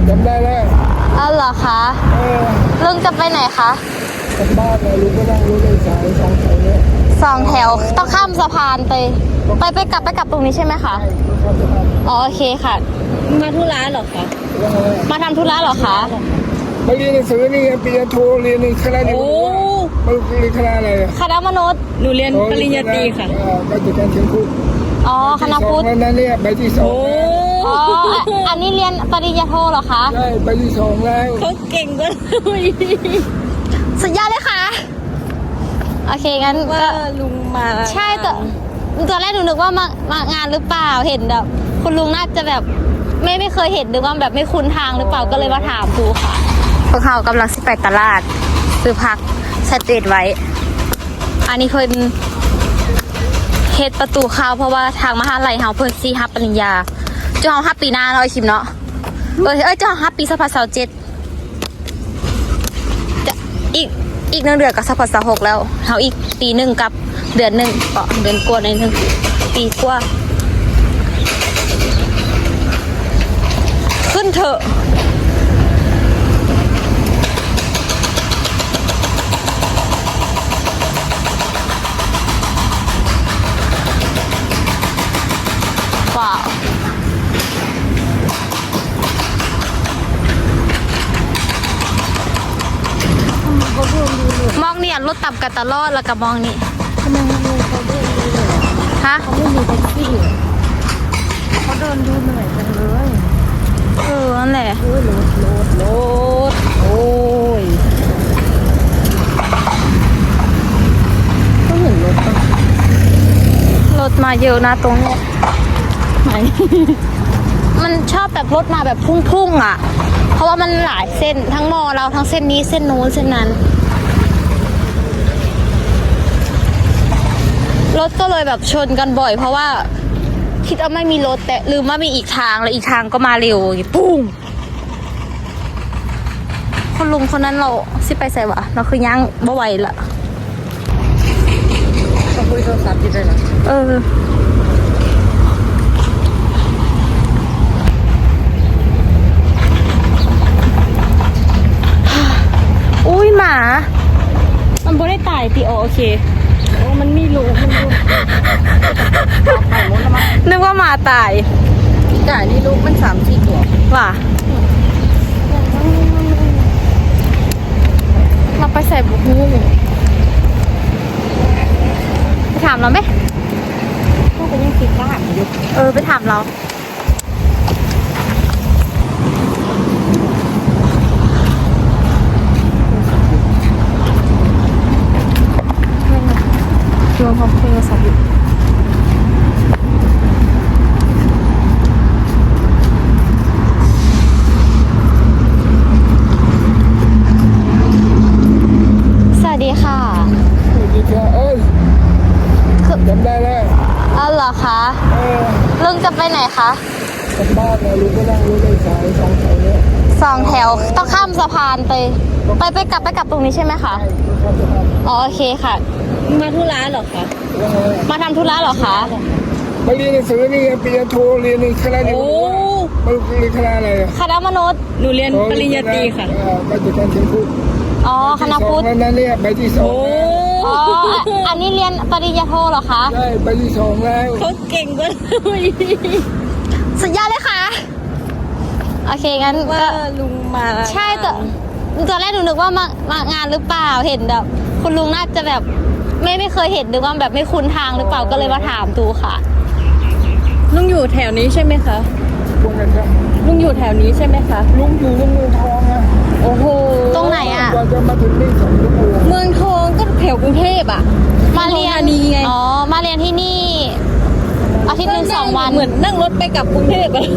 จำได้แล้วอ้าวเหรอคะลุงจะไปไหนคะกลับบ้านเลยลุงก็นั่งรถโดยสารสองแถวเนี่ย 2 แถวต้องข้ามสะพานไปกลับตรงนี้ใช่ไหมคะอ๋อโอเคค่ะมาธุระเหรอคะมาทำธุระเหรอคะมาเรียนหนังสือนี่ปริญญาโทเรียนในคณะนี้มันเรียนคณะอะไรคณะมนุษย์หนูเรียนปริญญาตรีค่ะก็จะการเชียงพุทธอ๋อคณะพุทธนั่นเนี่ยใบที่2 อ๋ออันนี้เรียนปริญญาโทเหรอคะใช่ใบที่2แล้วเขาเก่งกว่าสุดยอดเลยค่ะโอเคงั้นว่าลุงมาใช่แต่ตอนแรกหนูนึกว่ามางานหรือเปล่าเห็นแบบคุณลุงน่าจะแบบไม่เคยเห็นหรือว่าแบบไม่คุ้นทางหรือเปล่าก็เลยมาถามดูค่ะพวกเขากำลังไปตลาดซื้อผักสเตทไว้อันนี้เพิ่นเฮ็ดประตูเข้าเพราะว่าทางมหาลัยเฮาเพิ่นสิรับปริญญาเจ้าเฮารับปีหน้าเนาะไอ้คิมเนาะเจ้าเฮารับปี2027จะอีก1 เดือนกับ2026แล้วเฮาอีกปีหนึ่งกับเดือนหนึ่งก็เดือนกว่าในนึงปีกว่าขึ้นเถอะว้าวมองเนี่ยรถตับกันตลอดแล้วก็มองนี่ทำไมเขาเดินดูเลยฮะเขาไม่มีแท็กซี่เขาเดินดูเหนื่อยจังเลยนั่นแหละโอ้ยรถโอ้ยก็เห็นรถป่ะรถมาเยอะนะตรงนี้ไหนมันชอบแบบรถมาแบบพุ่งอ่ะเพราะว่ามันหลายเส้นทั้งมอเราทั้งเส้นนี้เส้นนู้นเส้นนั้นรถก็เลยแบบชนกันบ่อยเพราะว่าคิดว่าไม่มีรถแต่ลืมว่ามีอีกทางแล้วอีกทางก็มาเร็วปุ้งคนลุงคนนั้นเราสิไปใส่วะเราคือย่างบ่ไหวละเขาคุยโทรศัพท์อยู่ด้วยเหรออุ้ยหมามันบ่ได้ตายติโอเคโอ้มันไม่รู้นึกว่าหมาตายจ่ายนี่ลูกมัน3-4 ตัวว่ะเราไปใส่บุกฮู้ไปถามเราไหมก็ไปยังติดบ้านอยู่ไปถามเรารวมพร้อมโทรศัพท์อยู่สวัสดีค่ะสวัสดีค่ะจำได้แล้วอ้าวเหรอคะลุงจะไปไหนคะกลับบ้านเลยลุงก็นั่งรถโดยสาร2 แถวเนี่ย 2 แถวต้องข้ามสะพานไปกลับตรงนี้ใช่ไหมคะอ๋อโอเคค่ะมาธุระเหรอคะมาทำธุระเหรอคะมาเรียนหนังสือนี่ปริญญาโทเรียนในคณะนี้มันเรียนคณะอะไรคณะมนุษย์หนูเรียนปริญญาตรีค่ะก็จะการเชียงพุทธอ๋อคณะพุทธนั่นเนี่ยใบที่2 อ๋ออันนี้เรียนปริญญาโทเหรอคะใช่ใบที่2แล้วเขาเก่งกว่าสุดยอดเลยค่ะโอเคงั้นว่าลุงมาใช่แต่ตอนแรกหนูนึกว่ามางานหรือเปล่าเห็นแบบคุณลุงน่าจะแบบไม่เคยเห็นหรือว่าแบบไม่คุ้นทางหรือเปล่าก็เลยมาถามดูค่ะลุงอยู่แถวนี้ใช่ไหมคะลุงอยู่แถวนี้ใช่ไหมคะลุงอยู่เมืองทองนะโอ้โหตรงไหนอ่ะจะมาถึงนี่2 ชั่วโมงเมืองทองก็แถวกรุงเทพอ่ะมาเรียนนี่ไงอ๋อมาเรียนที่นี่อาทิตย์นึง2 วันเหมือนนั่งรถไปกับกรุงเทพอ่ะ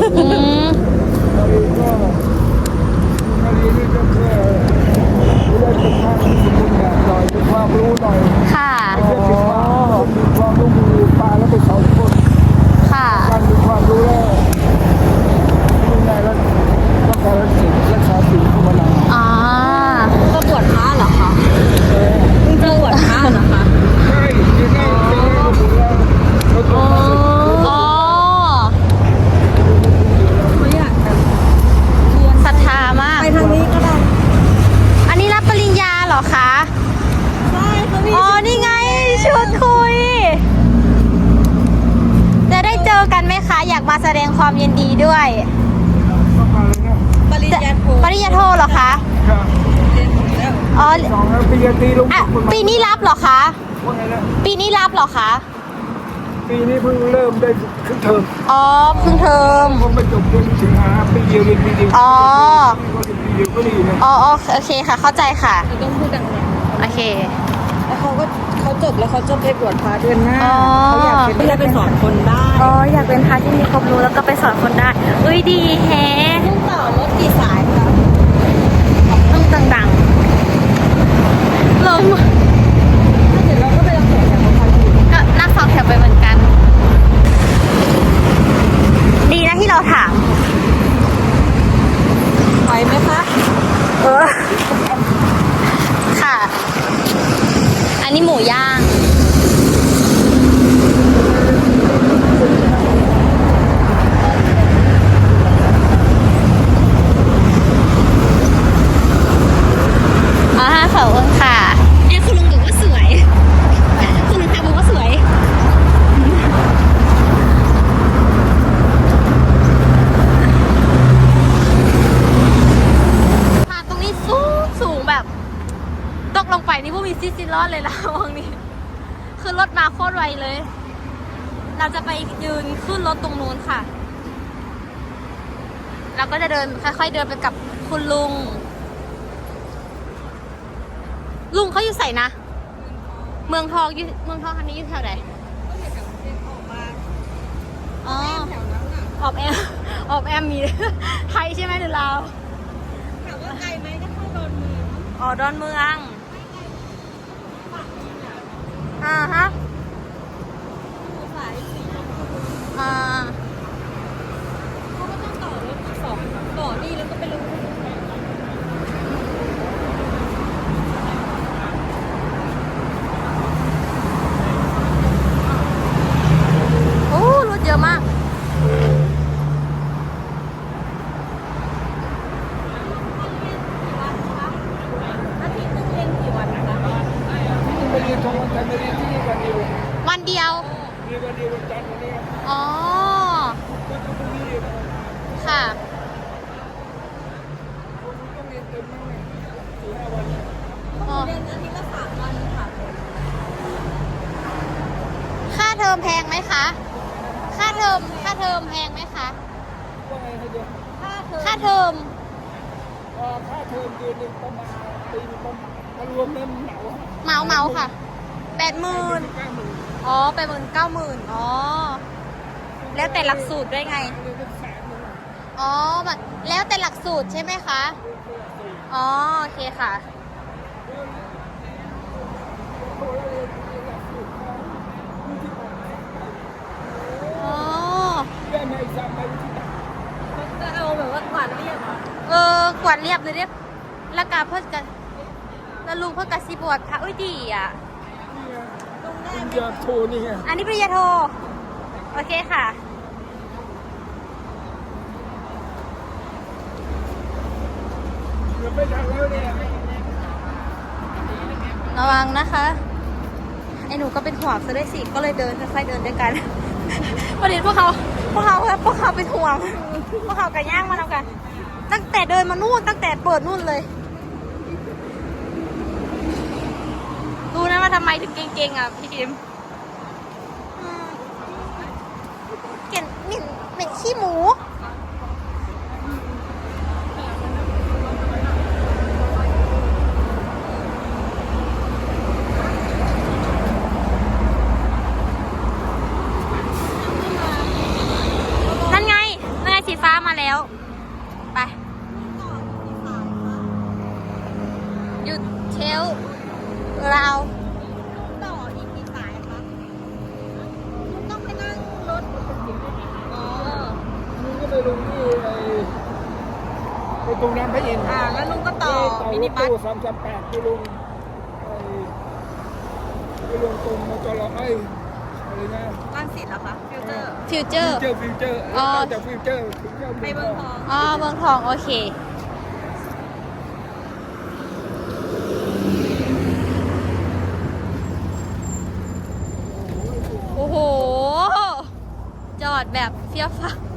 ความรู้หน่อยค่ะความรู้มือปลาแล้วไปสอนคนค่ะการมีความรู้แล้วยังไงแล้วต้องการรักษาสิ่งที่มันก็บวชพระเหรอคะจะบวชพระเหรอคะใช่ที่นั่งดูแลอ๋อเขาอยากศรัทธาความยินดีด้วยต้องมาเลยนะปริญญาโทปริญญาโทเหรอคะครับเรียนหมดแล้วอ๋อสองแล้วปริญญาตรีลงอ่ะคุณมาปีนี้รับเหรอคะว่าไงนะปีนี้รับเหรอคะปีนี้เพิ่งเริ่มได้ครึ่งเทอมอ๋อเพิ่งเทอมผมไปจบเดือนสิงหาปีเดียวเรียนปีเดียวอ๋อก็เรียนปีเดียวก็ดีนะอ๋อโอเคค่ะ เข้าใจค่ะเราต้องพูดดังโอเคๆแล้วเขาจบแล้วเขาจะไปบวชพระเดือนหน้าอ๋อเขาอยากเป็นเพื่อไปสอนคนได้อ๋อ อยากเป็นพระที่มีความรู้แล้วก็ไปสอนคนได้อุ้ยดีแฮะต้องต่อรถกี่สายคะต้องดังๆลมเดี๋ยวเราก็ไปรับสอนจากคนอื่นก็นั่งสองแถวไปเหมือนกัน ดีนะที่เราถามไหวไหมคะเออ ค่ะ อันนี้หมูย่าง อ๋อขอบคุณค่ะเนี่ยคุณลุงบอกว่าสวย คุณลุงทำบอกว่าสวย ผ่านตรงนี้สูงแบบ ตกลงไปนี่พวกมีซิรอดเลยละวังนี้ คือรถมาโคตรไวเลย เราจะไปยืนขึ้นรถตรงนู้นค่ะ เราก็จะเดินค่อยๆเดินไปกับคุณลุง ลุงเขาอยู่ใส่นะ เมืองทองอยู่เมืองทองคันนี้อยู่แถวไหนอ๋อออบแอมออบแอมมี ไทยใช่ไหมหรือลาวถามว่าไกลไหมก็เข้าโดนมืออ๋อดอนเมืองฮะสายสี่อ่าเขาก็ต้องต่อรถสองต่อนี่แล้วก็ไปลงโอ้รถเยอะมากอาทิตย์นึงเรียนกี่วันนะคะไปเรียนทองวันจันทร์ไปเรียนที่นี่วันเดียววันเดียวเรียนวันเดียววันจันทร์วันนี้อ๋อก็จะพรุ่งนี้เรียนค่ะต้องเรียนเต็มมากเลย4-5 วันอ๋อเรียนอาทิตย์ละ3 วันค่ะค่าเทอมแพงไหมคะ ค่าเทอมแพงไหมคะว่าไงให้เดียวค่าเทอมค่าเทอมเดือนหนึ่งประมาณปีนึงประมาณถ้ารวมแล้วเหมาเหมาค่ะ80,000 90,000 อ๋อ80,000 90,000อ๋อ แล้วแต่หลักสูตรด้วยไงเรียนเป็น100,000 อ๋อแบบแล้วแต่หลักสูตรใช่ไหมคะ อ๋อ โอเคค่ะ อ๋อได้ไหมจำได้ที่ไหนก็เอาแบบว่ากวาดเรียบกวาดเรียบเลยเรียบแล้วกาเพิ่นกันแล้วลุงเพิ่นกะสิบวชพระอุ้ยดีอ่ะลงได้ปริญไหมญาโทนี่ไงอันนี้ปริญญาโท โอเคค่ะเดี๋ยวไม่ทันแล้วเนี่ยระวังนะคะ ไอ้หนูก็เป็นห่วงซะด้วยสิ ก็เลยเดินค่อยๆเดินด้วยกัน ประเด็นพวกเขาเป็นห่วง พวกเขากันย่างมาแล้วกัน ตั้งแต่เดินมานู่น ตั้งแต่เปิดนู่นเลย ดูนะว่าทำไมถึงเก่งๆอ่ะพี่ดิมเก่งเหม็นขี้หมู นั่นไงสีฟ้ามาแล้ว ไป หยุดเชลราวต่ออีกกี่สายคะคุณต้องไปนั่งรถอ๋อมึงก็ไปลงที่ไอ้ตรงน้ำพระอินทร์แล้วลุงก็ต่อมินิบัสตู้338ไปลงไปลงตรงมจรอะไรนะรังสิตเหรอคะฟิลเตอร์ฟิวเจอร์ฟิวเจอร์อ๋อต่อจากฟิวเจอร์ถึงเข้าไปเมืองทองอ๋อเมืองทอง โอเค โอ้โห จอดแบบเฟี้ยวฟ้าว